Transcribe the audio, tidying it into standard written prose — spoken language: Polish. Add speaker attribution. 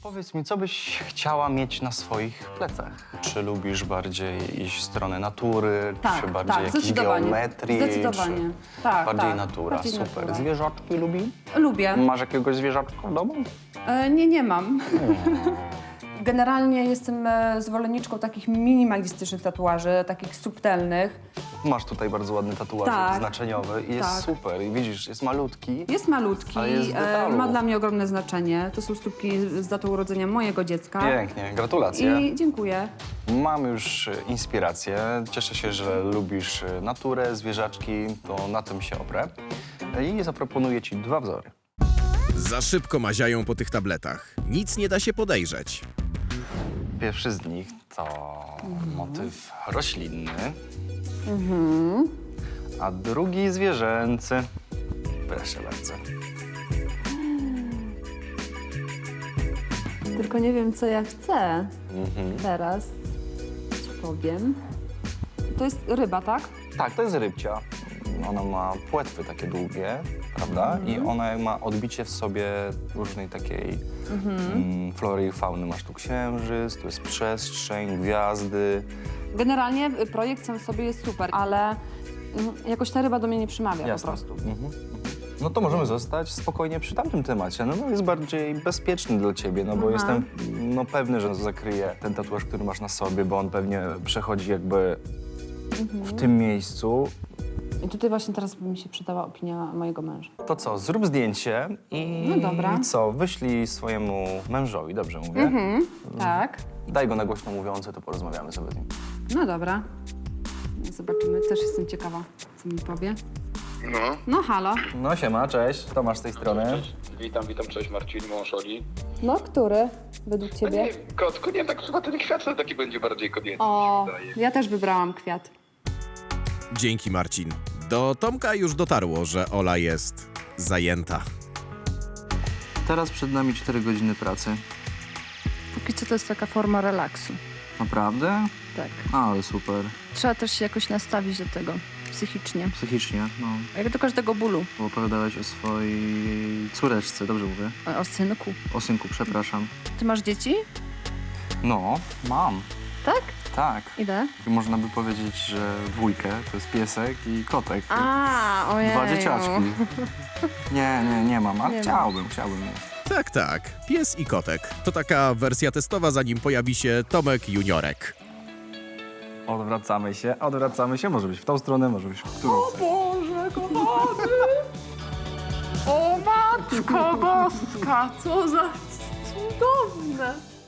Speaker 1: Powiedz mi, co byś chciała mieć na swoich plecach? Czy lubisz bardziej iść w stronę natury, czy bardziej jakiejś
Speaker 2: zdecydowanie.
Speaker 1: geometrii?
Speaker 2: Zdecydowanie.
Speaker 1: Czy
Speaker 2: Tak,
Speaker 1: bardziej
Speaker 2: tak,
Speaker 1: natura,
Speaker 2: bardziej
Speaker 1: super.
Speaker 2: natura.
Speaker 1: Zwierzaczki lubi?
Speaker 2: Lubię.
Speaker 1: Masz jakiegoś zwierzaczka w domu?
Speaker 2: Nie mam. Generalnie jestem zwolenniczką takich minimalistycznych tatuaży, takich subtelnych.
Speaker 1: Masz tutaj bardzo ładny tatuaż
Speaker 2: Tak.
Speaker 1: znaczeniowy i jest
Speaker 2: Tak.
Speaker 1: super. I widzisz, jest malutki.
Speaker 2: Jest malutki,
Speaker 1: Ale jest z detalu.
Speaker 2: ma dla mnie ogromne znaczenie. To są stópki z datą urodzenia mojego dziecka.
Speaker 1: Pięknie, gratulacje.
Speaker 2: I dziękuję.
Speaker 1: Mam już inspirację. Cieszę się, że lubisz naturę, zwierzaczki, to na tym się oprę. I zaproponuję ci 2 wzory.
Speaker 3: Za szybko maziają po tych tabletach. Nic nie da się podejrzeć.
Speaker 1: Pierwszy z nich to motyw roślinny, a drugi zwierzęcy. Proszę bardzo.
Speaker 2: Tylko nie wiem, co ja chcę teraz. Co powiem? To jest ryba, tak?
Speaker 1: Tak, to jest rybcia. Ona ma płetwy takie długie, prawda? I ona ma odbicie w sobie różnej takiej flory i fauny. Masz tu księżyc, tu jest przestrzeń, gwiazdy.
Speaker 2: Generalnie projekt sam w sobie jest super, ale jakoś ta ryba do mnie nie przemawia
Speaker 1: Jasne.
Speaker 2: po prostu.
Speaker 1: No to możemy zostać spokojnie przy tamtym temacie. No bo jest bardziej bezpieczny dla ciebie, no bo jestem pewny, że zakryje ten tatuaż, który masz na sobie, bo on pewnie przechodzi jakby w tym miejscu.
Speaker 2: I tutaj właśnie teraz by mi się przydała opinia mojego męża.
Speaker 1: To co, zrób zdjęcie i
Speaker 2: No dobra.
Speaker 1: co, wyślij swojemu mężowi, dobrze mówię?
Speaker 2: Tak.
Speaker 1: Daj go na głośno mówiący, to porozmawiamy sobie z nim.
Speaker 2: No dobra. Zobaczymy. Też jestem ciekawa, co mi powie.
Speaker 4: No.
Speaker 2: No halo.
Speaker 1: No siema, cześć, Tomasz z tej strony.
Speaker 4: Cześć. Witam, cześć Marcin, mąż Oli.
Speaker 2: No, który według
Speaker 4: No
Speaker 2: ciebie?
Speaker 4: nie, kotku, nie, tak chyba ten kwiat to taki będzie bardziej kobiecy,
Speaker 2: O,
Speaker 4: mi się wydaje.
Speaker 2: ja też wybrałam kwiat.
Speaker 3: Dzięki, Marcin. Do Tomka już dotarło, że Ola jest zajęta.
Speaker 1: Teraz przed nami 4 godziny pracy.
Speaker 5: Póki co to jest taka forma relaksu.
Speaker 1: Naprawdę?
Speaker 5: Tak.
Speaker 1: Ale super.
Speaker 5: Trzeba też się jakoś nastawić do tego psychicznie.
Speaker 1: Psychicznie, no.
Speaker 5: Jak do każdego bólu.
Speaker 1: Bo opowiadałeś o swojej córeczce, dobrze mówię?
Speaker 5: O synku.
Speaker 1: O synku, przepraszam.
Speaker 5: Ty masz dzieci?
Speaker 1: No, mam.
Speaker 5: Tak?
Speaker 1: Tak.
Speaker 5: Ile?
Speaker 1: Można by powiedzieć, że 2 to jest piesek i kotek.
Speaker 5: A, ojej.
Speaker 1: 2 dzieciaczki. Nie mam, ale
Speaker 5: Nie ma.
Speaker 1: chciałbym mieć.
Speaker 3: Tak, tak. Pies i kotek. To taka wersja testowa, zanim pojawi się Tomek Juniorek.
Speaker 1: Odwracamy się. Może być w tą stronę, może być w którą chcesz.
Speaker 2: Boże, kochany! O matko boska, co za cudowne!